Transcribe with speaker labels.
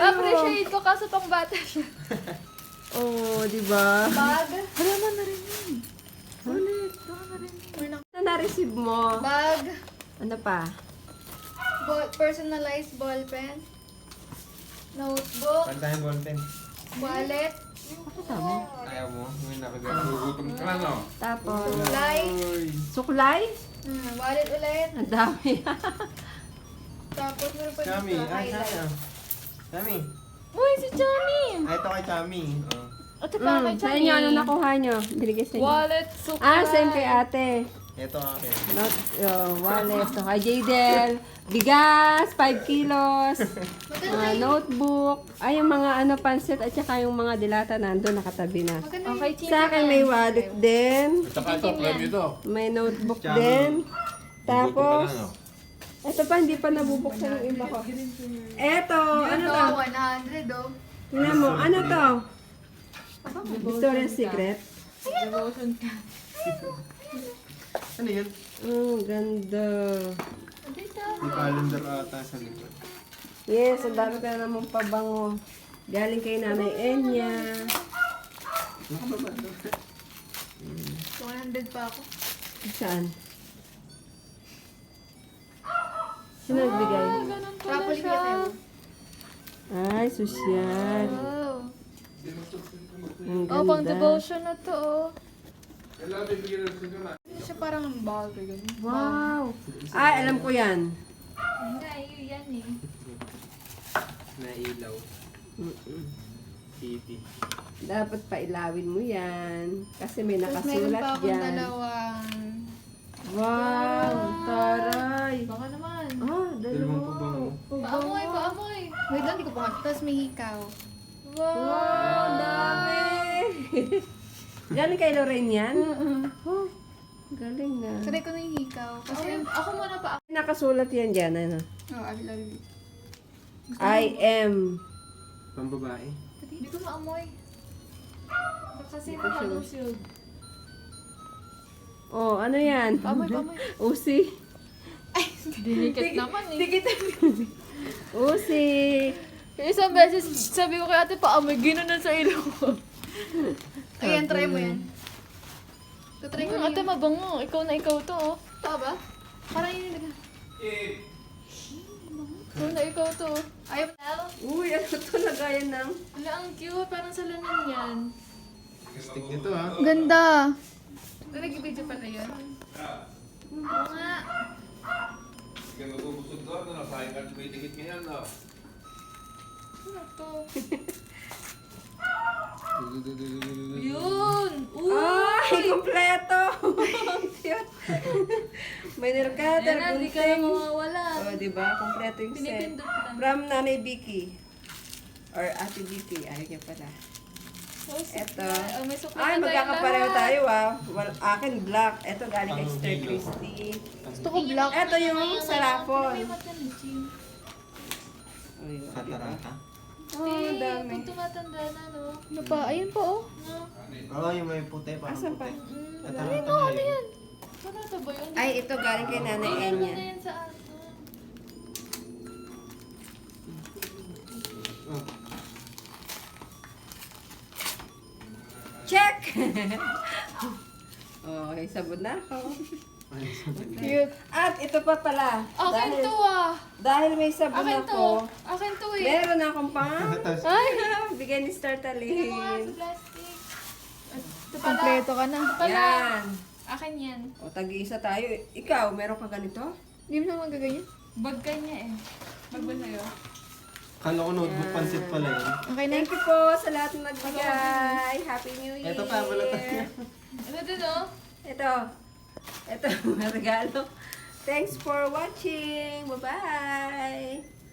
Speaker 1: Na-appreciate ko kaso pang bata siya.
Speaker 2: Oh, di ba?
Speaker 1: Bag. Wala mo na rin yun.
Speaker 2: Ulit.
Speaker 1: Wala na rin yun.
Speaker 2: Ano na-receive mo?
Speaker 1: Bag.
Speaker 2: Ano pa?
Speaker 1: Personalized ball pen. Notebook.
Speaker 3: Pantahin ballpen.
Speaker 1: Wallet.
Speaker 2: Ako dami.
Speaker 3: Ayaw mo? May nakagagutom ka na, no?
Speaker 2: Tapos,
Speaker 1: Suklay.
Speaker 2: suklay?
Speaker 1: Wallet ulit.
Speaker 2: Ang dami.
Speaker 1: Tapos meron pa
Speaker 3: Chami.
Speaker 1: dito
Speaker 3: Ay,
Speaker 1: highlight.
Speaker 3: Chami.
Speaker 1: Uy, si Chami!
Speaker 3: Ay, ito kay Chami. Oh.
Speaker 1: Ate pa kay
Speaker 2: Sa inyo, ano nakuha nyo? Binigay sa inyo.
Speaker 1: Wallet, suklay.
Speaker 2: Ah, same kay ate.
Speaker 3: Ito ang akin.
Speaker 2: Not, wallet. So, kay Jadel. Bigas, 5 kilos. Notebook. Ay, yung mga ano, pansit at saka yung mga dilata nandun, nakatabi na.
Speaker 1: Okay,
Speaker 2: Sa akin may wallet din.
Speaker 4: At saka ito, premium ito.
Speaker 2: May notebook
Speaker 3: Chami.
Speaker 2: din.
Speaker 4: Gutom
Speaker 2: Tapos,
Speaker 4: ka na, no?
Speaker 2: ito pa, hindi pa nabubuksan yung iba ko. Eto, ano to?
Speaker 1: 100 oh.
Speaker 2: Tingnan mo, ano to? Victoria's Secret.
Speaker 1: Devotion ka.
Speaker 3: Ano yan?
Speaker 2: Oh, ganda.
Speaker 1: Dito.
Speaker 3: May calendar ata sa likod.
Speaker 2: Yes, ang dami ka na namang pabango. Galing kay Nanay Enya.
Speaker 1: 100 pa ako.
Speaker 2: Saan? Sino nagbigay?
Speaker 1: Ganun pala siya.
Speaker 2: Ay, sosyal.
Speaker 1: Oh.
Speaker 2: Ang
Speaker 1: Oh, pang
Speaker 2: ganda.
Speaker 1: devotion na to oh. Hindi siya parang bag. Ganun.
Speaker 2: Wow. Ay, alam ko yan.
Speaker 1: Hindi, yun yan eh.
Speaker 3: Nailaw. TV.
Speaker 2: Dapat pailawin mo yan. Kasi may
Speaker 1: Tapos meron
Speaker 2: nakasulat
Speaker 1: pa akong
Speaker 2: dyan.
Speaker 1: dalawang...
Speaker 2: Wow, taray.
Speaker 1: Baka naman.
Speaker 2: Ah,
Speaker 3: Dalawang
Speaker 2: dalawa.
Speaker 3: pabango.
Speaker 1: Paamoy, paamoy. Wait lang, di ko pa. Tapos may hikaw.
Speaker 2: Wow, dami. Galing kay Lorraine yan? Oh, galing na.
Speaker 1: Try ko na yung hikaw. Kasi ako muna pa.
Speaker 2: Nakasulat yan dyan, ano?
Speaker 1: Oh, I love you.
Speaker 2: I am.
Speaker 3: Pambabae.
Speaker 1: Hindi ko maamoy. Kasi nakadusog.
Speaker 2: Oh, ano yan?
Speaker 1: Paamoy, paamoy.
Speaker 2: Usi.
Speaker 1: Dinikit naman eh.
Speaker 2: Dikit. Usi.
Speaker 1: Isang beses sabi ko kay ate paamoy, ginanon sa ilong ko. Ayan, try mo yan. Try ko ate, mabango. Ikaw na ikaw to oh. Tama ba? Parang yun yung ikaw na ikaw to. Ayaw na.
Speaker 2: Uy, ano to? Lagayan ng...
Speaker 1: Wala, ang cute. Parang salamin yan.
Speaker 3: Stick nito, ha?
Speaker 1: Ganda. Nag-video pala yun. Oo nga.
Speaker 4: Sige, magubusog doon, no? Sayang ka, may tikit ngayon, no?
Speaker 1: Ano to? Yun!
Speaker 2: Ay, kompleto! Cute. May nilkater,
Speaker 1: Yan na, di ka na
Speaker 2: gunting.
Speaker 1: mawawala.
Speaker 2: Oh, diba? Kompleto yung set.
Speaker 1: Pinipindot lang.
Speaker 2: From Nanay Vicky. Or Ate Vicky. Ayaw niya pala.
Speaker 1: Oh,
Speaker 2: Eto.
Speaker 1: Oh, may suklay
Speaker 2: Ay,
Speaker 1: na tayo
Speaker 2: magkakapareho
Speaker 1: lahat.
Speaker 2: tayo ah. Well, akin black. Eto galing kay Sister Christy.
Speaker 1: Gusto ko black.
Speaker 2: Eto yung sarapon.
Speaker 1: May mata ni Jim.
Speaker 2: Oh, yun, diba?
Speaker 3: Katarata.
Speaker 2: Oh,
Speaker 1: Eh,
Speaker 2: dami.
Speaker 1: pag tumatanda na, no? Ano pa? Ayun pa, oh. No?
Speaker 3: Oo, yung may puti. Parang
Speaker 2: Asan pa?
Speaker 3: puti.
Speaker 1: Ayun,
Speaker 3: Katarata
Speaker 1: no,
Speaker 3: nga
Speaker 1: ano
Speaker 3: yun.
Speaker 1: yan? Ano ito ba yun?
Speaker 2: Ay, ito galing kay Nanay
Speaker 1: Ano
Speaker 2: Enya.
Speaker 1: na yan sa ano?
Speaker 3: Oh.
Speaker 2: Check! oh, okay, sabon na ako.
Speaker 3: Ay, sabi.
Speaker 1: Cute.
Speaker 2: At ito pa pala.
Speaker 1: Akin to, ah.
Speaker 2: Dahil may sabon
Speaker 1: Akin
Speaker 2: ako,
Speaker 1: to. Akin to, eh.
Speaker 2: meron akong pang...
Speaker 3: Tapos,
Speaker 1: Ay!
Speaker 2: Bigay ni Star
Speaker 1: Tingnan mo nga sa
Speaker 2: Talin.
Speaker 1: plastic. Ito pala. Kompleto ka na. Ito pala.
Speaker 2: Yan.
Speaker 1: Akin yan.
Speaker 2: O, tag-iisa tayo. Ikaw, meron ka ganito?
Speaker 1: Hindi mo naman magaganyan. Bag ka niya eh. Bag ba sa'yo?
Speaker 3: kala ko notebook pansit pala yun.
Speaker 1: Okay na.
Speaker 2: Thank you po sa lahat ng nagbigay. Happy New Year.
Speaker 3: Ito pa, wala tayo.
Speaker 1: Ano din, oh?
Speaker 2: Ito. Ito, regalo. Thanks for watching. Bye-bye.